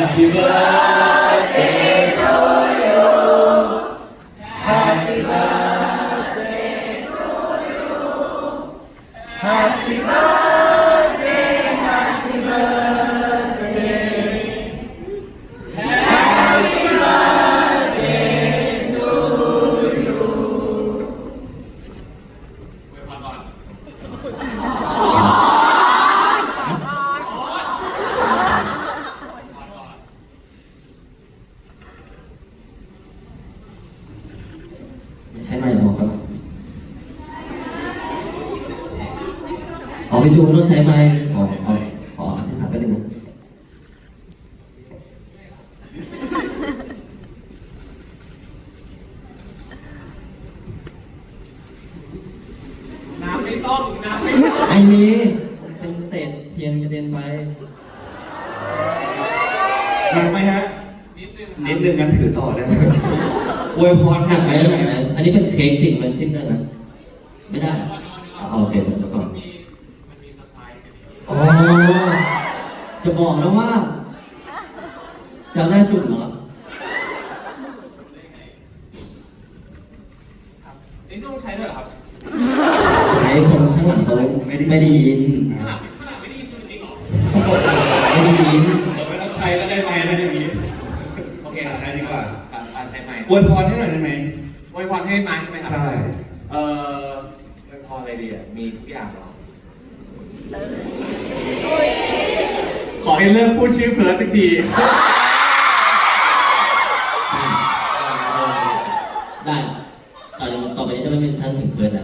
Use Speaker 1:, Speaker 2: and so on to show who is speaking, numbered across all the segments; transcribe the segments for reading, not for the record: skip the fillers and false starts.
Speaker 1: Happy birthday to you Happy birthday to you Happy birthday Happy birthday Happy birthday to you
Speaker 2: ไว้พรก่อน
Speaker 3: ใช้ไมค์หรอครับพี่จูนต้องใช้ไมค์ขออธิษฐานไปหนึ่งนะ
Speaker 2: น้ำไม่ต้อง
Speaker 3: ไอ้นี้มันเป็นเศษเทียนกระเด็นไป
Speaker 1: หนักไหมฮะ
Speaker 2: นิดนึง
Speaker 1: นิดนึงกันถือต่อได้ไหมอวยพร
Speaker 3: หนักไหมหนักไหมอันนี้เป็นเค้กจริงมันจิ้มได้ไหมไม่ได้โอเคเดี๋ยวก่อน
Speaker 2: มันมีสไตล์กัน
Speaker 3: อ๋อจะบอกนะว่าจะได้จุดเหรอ
Speaker 2: นี่ต้องใช้ด้วยเหรอครับ
Speaker 3: ใช้คนข้างหลังเขาไม่ได้ยิน
Speaker 2: ขนาดไม่ได้ยินจริงเหรอ
Speaker 3: ไม่ได้ยิน
Speaker 1: เราไม่ต้องใช้ก็ได้ไหมอะไรอย่างนี้
Speaker 2: โอเค
Speaker 1: ใช้ดีกว่า
Speaker 2: ใช้ไมค์
Speaker 1: อวยพรให้หน่อยได้ไหม
Speaker 2: อวยพรให้ไม้ใช่ไหมครั
Speaker 1: ใช่
Speaker 2: อวยพรอะไรดีอ่ะมีทุกอย่างหรอขอให้เลิกพูดชื่อเพิร์สสักที
Speaker 3: ได้ต่อไปนี้จะไม่เป็นชั้นถึงเพื่อนแล้ว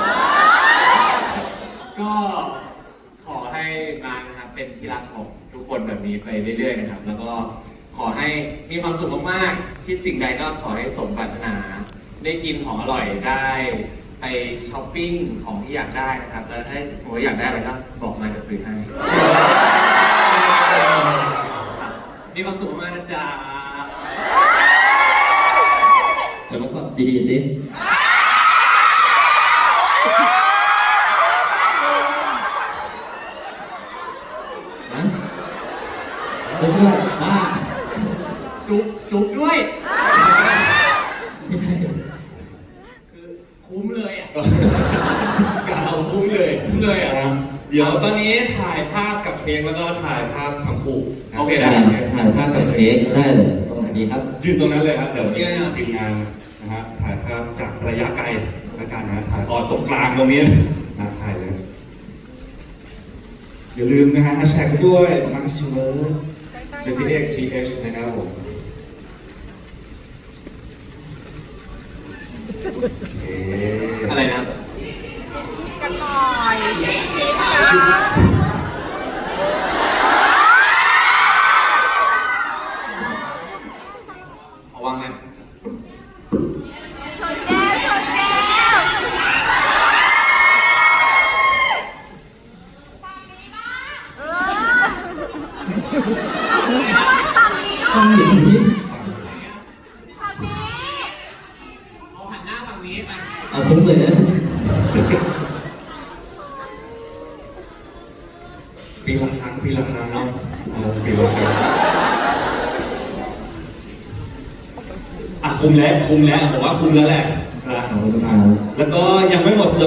Speaker 2: ก็ขอให้มานะครับเป็นที่รักของทุกคนแบบนี้ไปเรื่อยๆนะครับ แล้วก็ขอให้มีความสุขมากๆคิดสิ่งใดก็ขอให้สมปรารถนา ได้กินของอร่อยได้ไปช้อปปิ้งของที่อยากได้นะครับ แล้วถ้าสมมติอยากได้อะไรก็บอกมาจะซื้อให้มีความสุขมากนะจ๊ะ
Speaker 3: แต่เมื่อก่อนดีๆสินะเพื่อนบ้า
Speaker 2: จุ๊บด้วย
Speaker 3: ไม่ใช่
Speaker 2: คือคุ้มเลยอ่ะ
Speaker 1: กเอาคุ้มเลย
Speaker 2: คุ้มเลยอ่ะ
Speaker 1: เดี๋ยวตอนนี้ถ่ายภาพกับเค้กแล้วก็ถ่ายภาพทั้งคู่
Speaker 2: โอเค
Speaker 3: ได้ถ่ายภาพกับเค้กได้เลยตรงไหนดีครับ
Speaker 1: ยืนตรงนั้นเลยครับ เดี๋ยวทีมงานนะฮะถ่ายภาพจากระยะไกลแล้วกันนะถ่ายตรงกลางตรงนี้นะถ่ายเลยอย่าลืมนะฮะแฮชแท็กด้วยมาร์ชเวิร์ด
Speaker 2: CPXTH นะครับผม อะไรนะ
Speaker 4: กันหน่อยชิคนะ
Speaker 2: เอาวางไหม
Speaker 4: ชนแก้วชนแก้ว
Speaker 3: ต้องหยิบนี้
Speaker 4: ฝั่งนี้
Speaker 2: เอาหันหน้าฝั่งนี้ไป
Speaker 3: เอาคุ้มเลยนะ
Speaker 1: ปีละครั้งเนาะปีละครั้งคุ้มแล้วผมว่าคุ้มแล้วแหละนะ
Speaker 3: ขอบคุณครับ
Speaker 1: แล้วก็ยังไม่หมดเซอร์